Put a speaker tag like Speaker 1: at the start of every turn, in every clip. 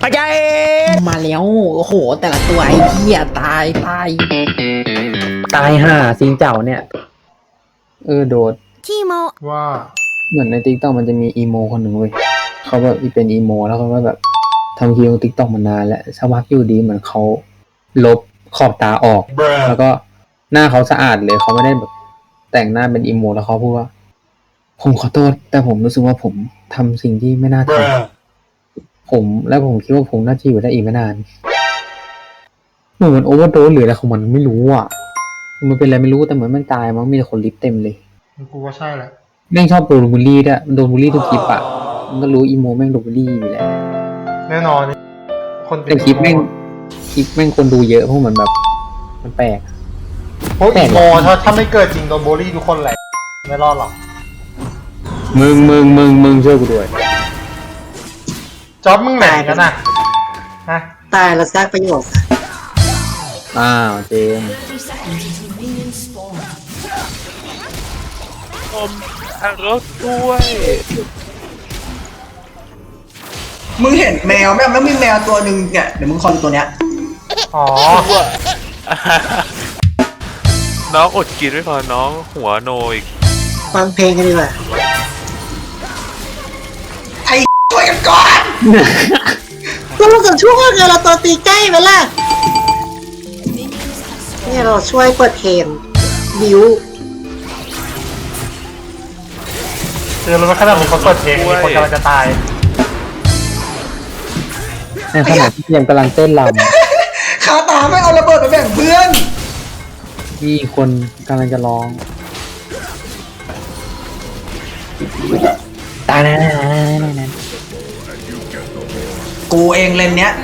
Speaker 1: พะใจมาแล้วโอ้โหแต่ละตัวไอ้เหี้ยตายห่าซิงเจ้าเนี่ยโดด
Speaker 2: ว่า
Speaker 1: เหมือนในติ๊กต็อกมันจะมีอีโมคนหนึ่งเว้ยเขาแบบเป็นอีโมแล้วเขาก็แบบทำคลิปติ๊กต็อกมานานแล้วสักพักอยู่ดีเหมือนเขาลบขอบตาออกแล้วก็หน้าเขาสะอาดเลยเขาไม่ได้แบบแต่งหน้าเป็นอีโมแล้วเขาพูดว่าผมขอโทษแต่ผมรู้สึกว่าผมทำสิ่งที่ไม่น่าทำผมคิดว่าผมน่าจะอยู่ได้อีกไม่นานเหมือนมันโอเวอร์โดสหรืออะไรของมันไม่รู้อ่ะมันเป็นอะไรไม่รู้แต่เหมือนมันตายมั้งมีแต่คนลิฟเต็มเลย
Speaker 2: กูว่าใช่แหละ
Speaker 1: แม่งชอบโดนบูลลี่ด้วยมันโดนบูลลี่ทุกคลิปอ่ะมันก็รู้อีโมแม่งโดนบูลลี่อยู่แล้ว
Speaker 2: แน่นอน
Speaker 1: แต่คลิปแม่งคนดูเยอะเพราะเหมือนแบบมันแปลก
Speaker 2: เพราะอีโมถ้าไม่เกิดจริงโดนบูลลี่ทุกคนแหละไม่รอดหรอก
Speaker 1: มึงช่วยกูด้วย
Speaker 2: จ๊อบมึงแหม่กันนะฮะ
Speaker 3: ตายแล้วสร้างประโยชน์
Speaker 1: เจม
Speaker 4: รถด้วย
Speaker 3: มึงเห็นแมวไหมแล้วมีแมวตัวหนึ่งเนี่ยเดี๋ยวมึงคอนตัวเนี้ย
Speaker 2: อ๋อ
Speaker 4: น้องอดกินไม่พอน้องหัวโนอีก
Speaker 3: ฟังเพลงกันดีกว่าไอ้ช่วยกันก่อนเราจะช่วยกันเราตัวตีใกล้ไปล่ะเนี่ยเราช่วยเปิดเพลงบิว
Speaker 2: คือรู้ว่าขนาดมีคนเปิดเพลงมีคนกำลังจะตาย
Speaker 1: ในขณะที่ยังกำลังเต้นรำ
Speaker 3: ขาตาไม่เอาระเบิดไปแบ่งเพื่อน
Speaker 1: มีคนกำลังจะร้องตายนะ
Speaker 3: กูเองเลนเนี้ย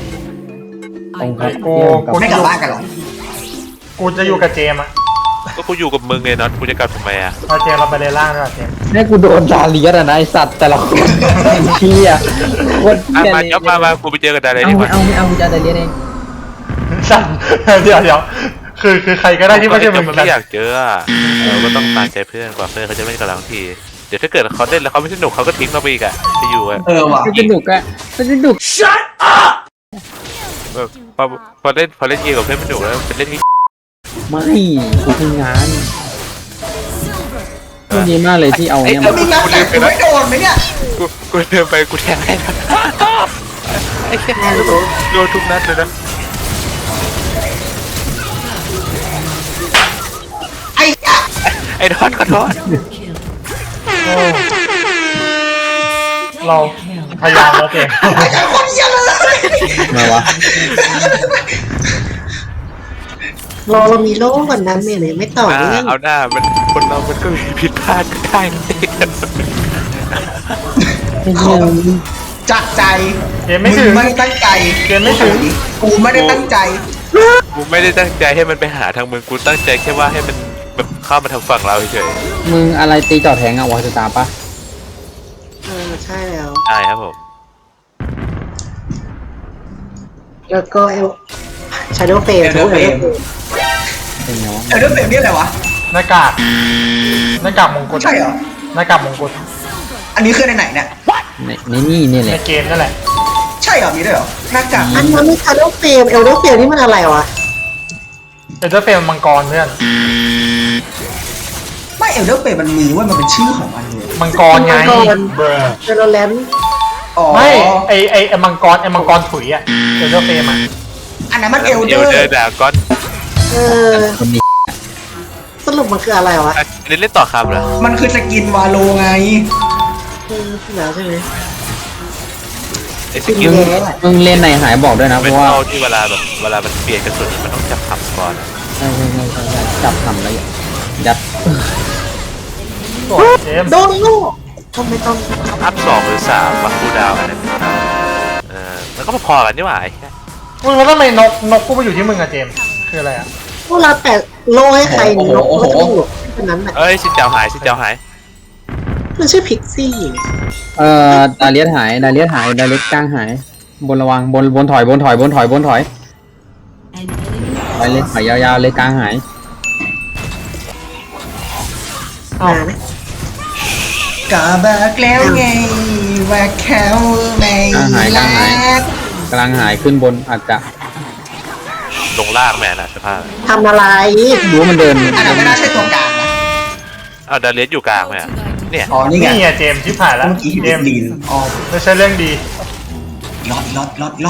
Speaker 2: กู
Speaker 3: ไม่กลับบ้านกันหรอ
Speaker 2: กูจะอยู่กับเจมอ่ะ
Speaker 4: ก็กูอยู่กับมึงไงน็อตกูจะกลับทำไมอ่ะ
Speaker 2: เจมเราไปเลล่างด้วยเจม
Speaker 1: นี่กูโดนดาเลียสนะไอสัตว์แต่ละคนเชี่ย
Speaker 4: วันมาจ๊อบมากูไปเจอกับดาเลียส
Speaker 1: ไม่เอากูจะดาเลียสเอง
Speaker 2: สั่นเดี๋ยวคือใครก็ได้ที่ไม่ใช่มึง
Speaker 4: ไม่อยากเจอเราก็ต้องตามใจเพื่อนกว่าเพื่อนเขาจะไม่กับเราทีเดี๋ยวถ้าเกิดเขาเล่นแล้วเขาไม่สนุกเขาก็ทิ้งเราไปอีกอ่ะจะอยู่อ่ะ
Speaker 3: ว่ะ
Speaker 1: ไม่สนุกอ่ะไม่สนุก
Speaker 3: shut up
Speaker 4: พอเล่นเกมกับเพื่อนไม่สนุกแล้วเป็นเล่น
Speaker 1: ไม่กูทำงานก็ดีมากเลยที่เอาเนี่ย
Speaker 3: มามีงานแต่กูไม่โดนไหมเนี่ย
Speaker 4: กูเดินไปกูแทงให้ไอ้แค่โดนทุกนัดเลยนะไอ้ดอนขอโทษ
Speaker 2: เราพยายามแล้วเอง
Speaker 3: ไอ้คนเหี้ยเลย
Speaker 1: มาวะ
Speaker 3: เรามีโลกวันนั้นเนี่ยไม่ต่อเนื่อง
Speaker 4: เอาหน้ามันคนเรามันก็มีผิดพลาดก็ได้
Speaker 3: จากใจ
Speaker 2: เกมไม่ถึง
Speaker 3: ไม่ตั้งใจ
Speaker 2: เกมไม่ถึง
Speaker 3: กูไม่ได้ตั้งใจ
Speaker 4: กูไม่ได้ตั้งใจให้มันไปหาทางมึงกูตั้งใจแค่ว่าให้มันแบบเข้ามาทางฝั่งเราเฉย
Speaker 1: มึงอะไรตีจอดแทงอะวอสตาร์ปะ
Speaker 3: ใช่แล้ว
Speaker 4: ใช่ครับผม
Speaker 3: แล้วก็ชาโดว์เฟม
Speaker 1: เป็นไงวะ
Speaker 3: ชาโดว์เฟมนี่อะไรวะ
Speaker 2: หน้ากากมงกุฎ
Speaker 3: ใช่เหรอ
Speaker 2: หน้ากากมงกุฎ
Speaker 3: อันนี้คือในไหนเนี่ย
Speaker 1: นี่แหละ
Speaker 2: ในเกมนั่นแหละ
Speaker 3: ใช่เหรอมีด้วยเหรอหน้ากากอันนั้นมีชาโดว์เฟมเอลโดว์เฟมนี่มันอะไรวะ
Speaker 2: เอลโดว์เฟมมังกรเพื่อน
Speaker 3: ไม่เอลโดว์เฟมมันมีว่ามันเป็นชื่อของมันเลย
Speaker 2: มังกรไง
Speaker 3: เจโรแลน
Speaker 2: ไม่ไอมังกรถุยอ่ะเอลโดว์เฟมอ่ะ
Speaker 3: อันนั้นมันเอลเดอ
Speaker 4: ร์ดาก้อน
Speaker 3: สรุปมันคืออะไรวะ
Speaker 4: เล่นต่อคำเหรอ
Speaker 3: มันคือสกินวาโลไงแล้วใช่ไหม
Speaker 4: ไอสกิล
Speaker 1: มึงเล่นไหนหายบอกด้วยนะเพราะว่า
Speaker 4: ที่เวลามันเปลี่ยนกระสุนมันต้องจับคำก่อน
Speaker 1: ใช่จับคำแล้วยัด
Speaker 3: โดนลูกทำไมต้อง
Speaker 4: อัพ2 หรือ 3วัคคูดาวอันนั้นแล้วก็พอกันนี่หว่าไอ้แค่
Speaker 2: มึงแล้วทำไมนกกูมาอยู่ที่มึงอะเจมคืออะไรอะ
Speaker 3: พวกเราแปะโลให้ใครนกก็จะอยู่แค่นั้นแหละ
Speaker 4: สิเจ้าหาย
Speaker 3: มันชื่อพิกซี่
Speaker 1: ดาเลียสหายดาเลียสกลางหายบนระวังบนถอยไปเล่นถอยยาวๆเลยกลางหาย
Speaker 3: ก็บอกแล้วไงว่าเขาไม่รัก
Speaker 1: กำลังหายขึ้นบนอาจจะ
Speaker 4: ลงล่างแม่น่ะสภาพ
Speaker 3: ทำอะไร
Speaker 1: รู้ว่ามันเดิน
Speaker 3: อันนั้นไม่น่าใช่ตัวกลางนะ
Speaker 4: เอาดาเลียสอยู่กลางไหมอ่ะเนี่ย
Speaker 3: อ๋อนี่ไง
Speaker 2: นี่ไงเจมส์ชิบหายแล้ว
Speaker 3: เมื่อกี้
Speaker 2: เจ
Speaker 3: เห็น
Speaker 2: มส์
Speaker 3: ลีนอ๋อ
Speaker 2: ไม่ใช่เรื่องดี
Speaker 3: รอบ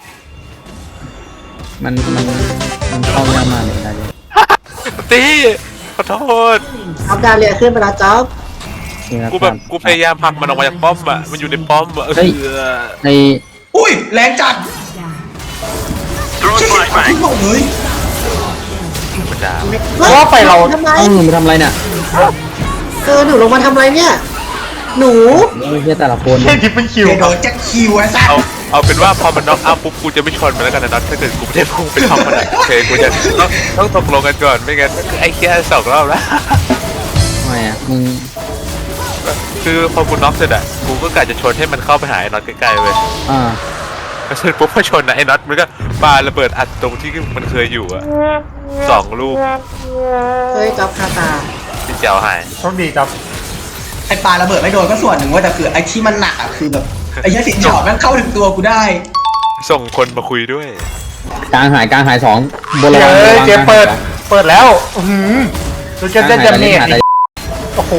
Speaker 1: มันเข้ายากมากเลยได้เลย
Speaker 4: ตีขอโทษ
Speaker 3: เอาดาเลียขึ้นไปแล้วจ๊อบ
Speaker 1: นี่ครับ
Speaker 4: กูพยายามผลักมันออกมาจากป้อมอ่ะมันอยู่ในป้อมอ่ะ
Speaker 1: ใน
Speaker 3: อุ้ยแรงจัดใช่ทุกหมดเลย
Speaker 4: มันด่า
Speaker 2: เพราะว่าไปเรา
Speaker 3: ทำไม
Speaker 1: เอ้าหนูมาทำอะไรเนี่ย
Speaker 3: หนูลงมาทำอะไรเนี่ย หนู
Speaker 1: โอ้ยเฮียแต่ละคน
Speaker 2: แค่ทิปเป็นคิว
Speaker 3: เดี๋ยวโดนจะคิวไอ้สัส
Speaker 4: เอาเป็นว่าพอมันน็อกเอาปุ๊บกูจะไม่ชนมันแล้วกันนะน็อตถ้าเกิดกูไม่ได้พุ่งไปทำมันโอเคกูจะต้องตกลงกันก่อนไม่งั้นไอ้แค่2 รอบแล้ว
Speaker 1: ทำไมอ่ะมึง
Speaker 4: คือพอกูน็อกเสร็จอ่ะกูก็กะจะชนให้มันเข้าไปหาไอ้น็อตใกล้ๆเว้ย
Speaker 1: อ่า
Speaker 4: เสร็จปุ๊บพอชนนะไอ้น็อตมันก็ปาระเบิดอัดตรงที่มันเคยอยู่อ่ะ2 ลูก
Speaker 3: เฮ้ยจ๊อบคาตา
Speaker 4: ที่เจียวหาย
Speaker 2: โชคดีครับ
Speaker 3: ไอ้ปลาระเบิดไม่โดนก็ส่วนหนึ่งว่าแต่คือไอ้ที่มันหนักอะคือแบบไอ้ยักษ์สินจอบมันเข้าถึงตัวกูได้
Speaker 4: ส่งคนมาคุยด้วย
Speaker 1: กลางหายสองบนระ
Speaker 2: เจ
Speaker 1: วังระวัง
Speaker 2: เจมส์เปิด
Speaker 1: กลางหายสอง
Speaker 2: เปิดแล้วอือหือดูจะได้
Speaker 1: กลาง
Speaker 2: ดา
Speaker 1: หาย
Speaker 2: เมจ
Speaker 1: หาย
Speaker 2: อีกโอ้โห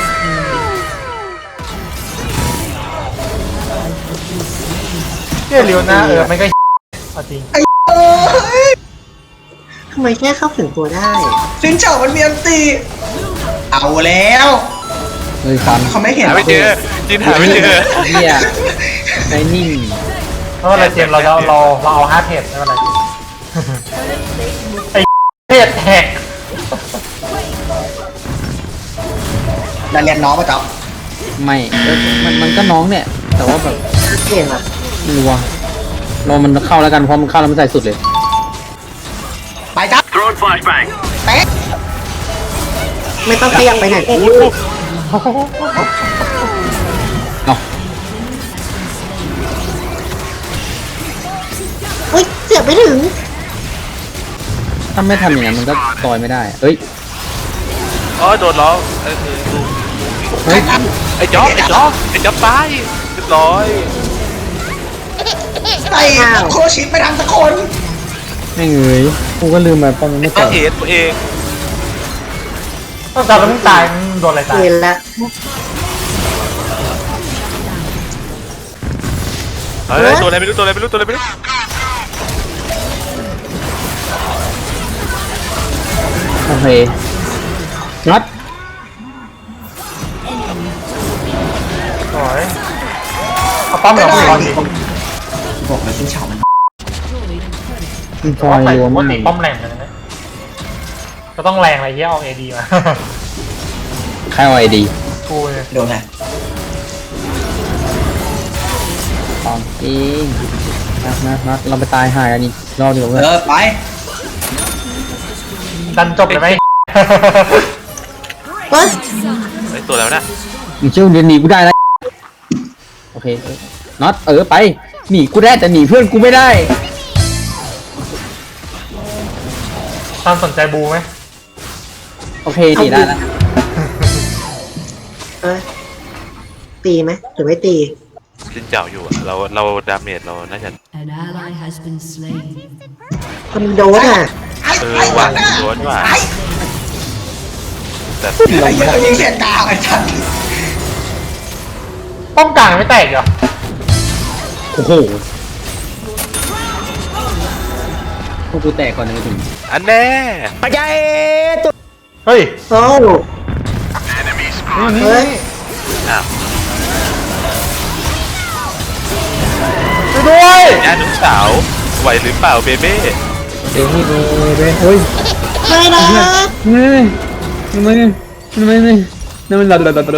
Speaker 2: เจ้าเลียวนะไม่ก็เอาจริง
Speaker 3: ไอ้ทำไมแค่เข้าถึงตัวได้สินจอบมันมีอันตีเอาแล้ว
Speaker 1: เฮ้ยฟัน
Speaker 3: เขาไม่เห็น
Speaker 4: หาไม่เจอจินหาไม่เจอ
Speaker 1: เฮียไอ้นิ่ง
Speaker 2: เพราะอะไรเจมส์เราเอา5เพจไม่เป็นไรไอ้เพจแหก
Speaker 3: ดาเรียนน้องป่ะจ๊อบ
Speaker 1: ไม่มันก็น้องเนี่ย แต่ว่าแบบ
Speaker 3: เก่งอะ
Speaker 1: ไม่รู้ว่ะรอมันเข้าแล้วกันเพราะมันเข้าแล้วมันใส่สุดเลย
Speaker 3: ไปจ๊อบเตะไม่ต้องขยับไปไหน
Speaker 1: เนาะ
Speaker 3: อุ้ยเสียบไม่ถึง
Speaker 1: ถ้าไม่ทำอย่างนั้นมันก็ต่อยไม่ได้เอ้ย
Speaker 4: อ๋อโดนล้อ
Speaker 1: เฮ้ย
Speaker 4: ไอ้จ๊อบตายเรียบร้อย
Speaker 3: ไอ้โคชิไปทางตะคน
Speaker 1: ไม่เงยกูก็ลืมไปป้องมันไม่
Speaker 4: ก็
Speaker 1: ต่อย
Speaker 4: เอ็ดตัวเอง
Speaker 2: ต้องจับแล้วมึงตายมึงโดนอะไรตาย
Speaker 3: เห็นแล้ว
Speaker 4: เฮ้ยตัวอะไรไม่รู้
Speaker 1: โอเคนัด
Speaker 2: สวยเอาป้อมกับป้อมดิ
Speaker 3: บอกเลยสินจอบมัน
Speaker 1: มันฟ
Speaker 2: เพราะ
Speaker 1: อ
Speaker 2: ว่าย ใส่
Speaker 1: รวม
Speaker 2: ปก
Speaker 1: มาก
Speaker 2: ติป้อมแรงกันนะก็ต้องแรงอะไรเงี้ยเอาเอดีมา
Speaker 1: ใครเอาไอดี
Speaker 2: กูเนี่ย
Speaker 3: โดนไง
Speaker 1: ของจริงนัดเราไปตายหายกันอีกรอบเดียวเว้ย
Speaker 3: ไป
Speaker 2: ดันจบเลยไหม
Speaker 3: เฮ้ย
Speaker 4: ไอ้ตัวแล้วนะ
Speaker 1: มึงเชื่อเดี๋ยวหนีกูได้แล้วโอเคน็อตไปหนีกูได้แต่หนีเพื่อนกูไม่ได้
Speaker 2: ตามสนใจบูไหม
Speaker 1: โอเคหนีได้แล้ว
Speaker 3: เอ้ยตีไหมหรือไม่ตี
Speaker 4: จินเจ้าอยู่อะเราดาเมจเราน่าจะ
Speaker 5: An ally has been slain.
Speaker 3: คนโดนอ่ะ
Speaker 4: วางโดนว่าแต่
Speaker 3: ไอ้ยังยิงเสียงกาวไอ้สัส
Speaker 2: ป้อมกลางไม่แตกเหรอ
Speaker 1: โอ้โหพวกกูแตกก่อนเลยถึง
Speaker 4: อันแน่
Speaker 2: เฮ้ย
Speaker 3: โอ้เฮ้ย
Speaker 4: อ้าว
Speaker 2: ช่วยด้วย
Speaker 4: ย่านุสาวไหวหรือเปล่าเบเบ้
Speaker 1: เฮ้ยเฮ้ย
Speaker 3: ไม่นะ
Speaker 1: เฮ้ยทำไมนั่นมัน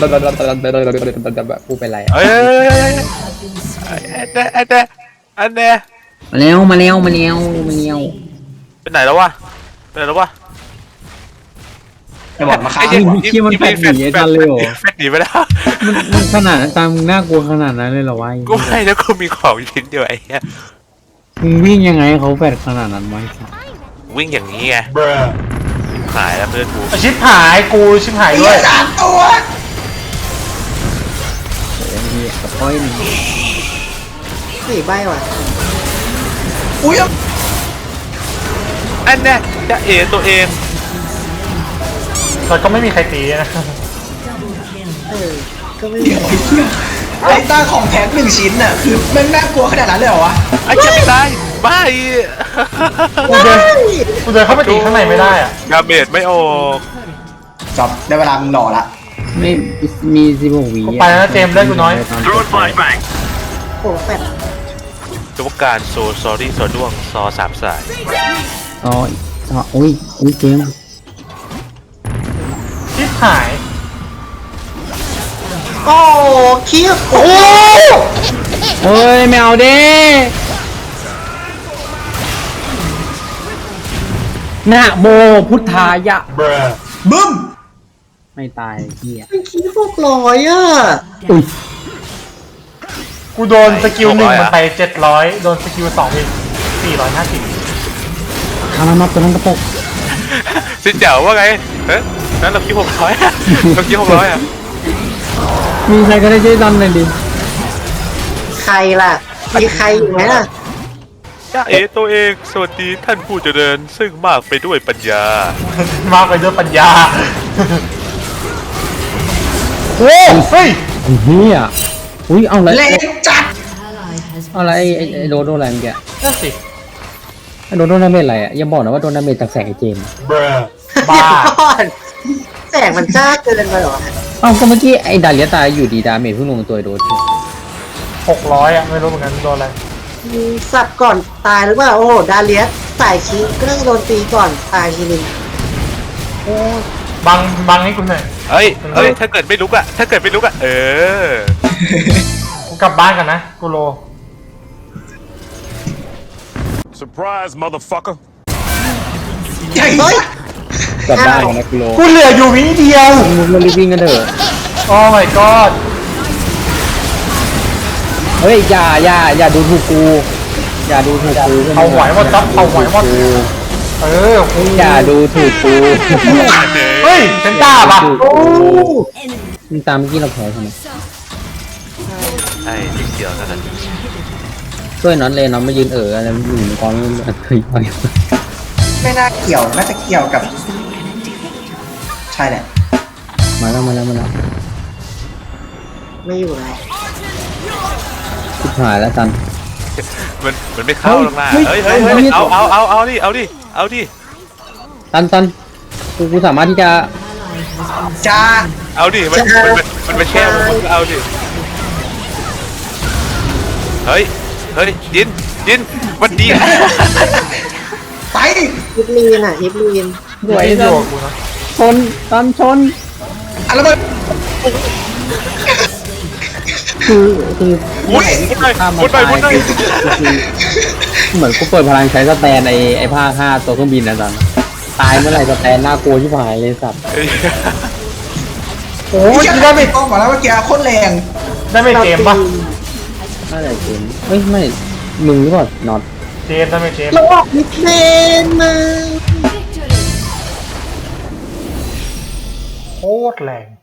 Speaker 1: แบบกูเป็นไรอ่ะ
Speaker 4: เอ้ยอันแน่
Speaker 1: มาแล้วไปไหนแล้ววะ
Speaker 3: จะบอกมาค้า
Speaker 4: แฟดหนีไปแล้ว
Speaker 1: มันขนาดตามน่ากลัวขนาดนั้นเลยเหรอวะ
Speaker 4: กูไม่แล้วกูมีของชิ้นเดียวไอ้เหี้ย
Speaker 1: มึงวิ่งยังไงเขาแฝดขนาดนั้นไว้
Speaker 4: วิ่งอย่างนี้ไงหายแล้วเพื่อนกู
Speaker 2: ชิบหายกูชิบหาย
Speaker 3: ไอ้
Speaker 2: ด้วย
Speaker 3: สามตัว
Speaker 1: เฮ้ยกับก้อยหนึ่ง
Speaker 3: สี่ใบว่ะอุ้ย
Speaker 4: อันเนี้ยจะเอตัวเอง
Speaker 2: แต่ก็ไม่มีใครตีนะ
Speaker 3: ก็ไม่มีไอ้ต้าของแท้หนึ่งชิ้นน่ะคือมันน่ากลัวขนาดนั้นเลยเหรอวะ
Speaker 4: ไอ้จะไม่ตายบ้า
Speaker 2: กูเดินเข้าไปตีข้างในไม่ได้อะ
Speaker 4: ดาเมจไม่ออก
Speaker 3: จบได้เวลามึงหล่อละ
Speaker 1: ไม่มี16 วิ
Speaker 2: กูไปแล้วนะเจมส์เลือดกูน้อย
Speaker 3: โอ้แปด
Speaker 4: ตัวการโซซอรี่โซด้วงซอสามสาย
Speaker 1: อ๋ออุ้ยเจมส์
Speaker 2: ชิบหาย
Speaker 3: โอ้คิวโอ้
Speaker 1: เฮ้ยไม่เอาเด้นะโมพุทธายะ
Speaker 3: บึ้ม
Speaker 1: ไม่ตายเหี้ย
Speaker 3: เป็นคิว600อ่ะ
Speaker 1: อุ้ย
Speaker 2: กูโดนสกิล1มันไป700โดนสกิล2อีก450
Speaker 1: ทำมาตัวนั้นกระปก
Speaker 4: สิเจ๋วว่าไงเฮ้ยนั้นเราคิด600อะเราคิด600อะ
Speaker 1: มีใครก็ได้ช่วยดันหน่อยดิ
Speaker 3: ใครล่ะมีใครอยู่ไหมล่ะ
Speaker 4: จ้าเอตัวเองสวัสดีท่านผู้เจริญซึ่งมากไปด้วยปัญญา
Speaker 2: มากไปด้วยปัญญา โอ้เฮ้ย
Speaker 1: เฮียอุ้ยเอาอะไร
Speaker 3: เล่นจัด
Speaker 5: Ally has
Speaker 1: เอาอะไรไอ้โดนอะไรเมื่อกี้
Speaker 2: นั่นสิ
Speaker 1: ไอ้โดนดาเมจอะไรอ่ะอย่าบอกนะว่าโดนดาเมจจากแสงไอ้เจมส์
Speaker 2: บ้า
Speaker 3: ก่อนแสงมันจ้าเกินไปเหรอ
Speaker 1: เอ้าก็เมื่อกี้ไอ้ดาเลียตายอยู่ดีดาเมจเพิ่งลงตัวไอ้โดน
Speaker 2: 600อ่ะไม่รู้เหมือนกันโดนอะไร
Speaker 3: สับก่อนตายหรือเปล่าโอ้โหดาเลียสสายชี้ก็น่าจะโดนตีก่อนตายทีนึงโอ้
Speaker 2: บังให้กูหน่อย
Speaker 4: เฮ้ยถ้าเกิดไม่ลุกอะเออ
Speaker 2: กูกลับบ้านกันนะกูโล
Speaker 6: Surprise, motherfucker.
Speaker 3: เฮ้ย
Speaker 1: กลับบ้านกันนะกูโล
Speaker 2: กูเหลืออยู่วิเดียว
Speaker 1: มึงมารีบวิ่งกันเถอะ
Speaker 2: โอ้ my god
Speaker 1: เฮ้ยอย่าดูถูกกูอย่าดูถูกกู
Speaker 2: เอาไหวหมดครับเอาไหวหมด เออกู
Speaker 1: อย่าดูถูกกู
Speaker 2: เฮ้ยเป็นตาป่ะ
Speaker 3: โอ้
Speaker 1: มึงตามเมื่อกี้เราแพ้ใช่ไหม
Speaker 4: ไอ้นิดเดียวเท่านั้น
Speaker 1: ช่วยน็อตเลยน็อตมายืนอะไรอยู่ในกองเฮ้ย
Speaker 3: ไม่น่าเกี่ยวน่าจะเกี่ยวกับใช่แหละ
Speaker 1: มาแล้ว
Speaker 3: ไม่อยู่แล้ว
Speaker 1: ชิบหายแล้วตัน
Speaker 4: มันไม่เข้าหรอกนะ
Speaker 1: เฮ้ย
Speaker 4: เฮ้ย
Speaker 1: เฮ้ย
Speaker 4: เอาดิ
Speaker 1: ตันกูสามารถที่จะ
Speaker 3: จ้า
Speaker 4: เอาดิมันมาแช่มึงเอาดิเฮ้ยยินวันดี
Speaker 3: ไปฮิปลีนอ่ะฮิปลีน
Speaker 1: สวย
Speaker 2: ไม่
Speaker 1: ตั
Speaker 2: โด
Speaker 1: น
Speaker 2: นกูนะ
Speaker 1: ตันชน
Speaker 3: อะไรมา
Speaker 1: คือ
Speaker 4: มุดไป
Speaker 1: เหมือนกูเปิดพลังใช้สแตนไอ้ภาค5ตัวเครื่องบินนะตันตายเมื่อไหร่สแตนน่ากลัวชิบหายเลยสัตว์
Speaker 2: โอ้
Speaker 3: โอ้
Speaker 2: ย
Speaker 3: ย
Speaker 2: ได้
Speaker 3: ได้
Speaker 2: ไม่
Speaker 3: ไม่ต้องมาแล้วเมื่อกี้โคตรแรง
Speaker 2: ได้ไม่เจมส์ป่ะ
Speaker 1: น่าจะเจมเอ้ยไม่มึงหรือเปล่าน็อต
Speaker 2: เจมส์ได้ไม่เจมส์
Speaker 3: เราออกมิดเลนมา
Speaker 2: โคตรแรง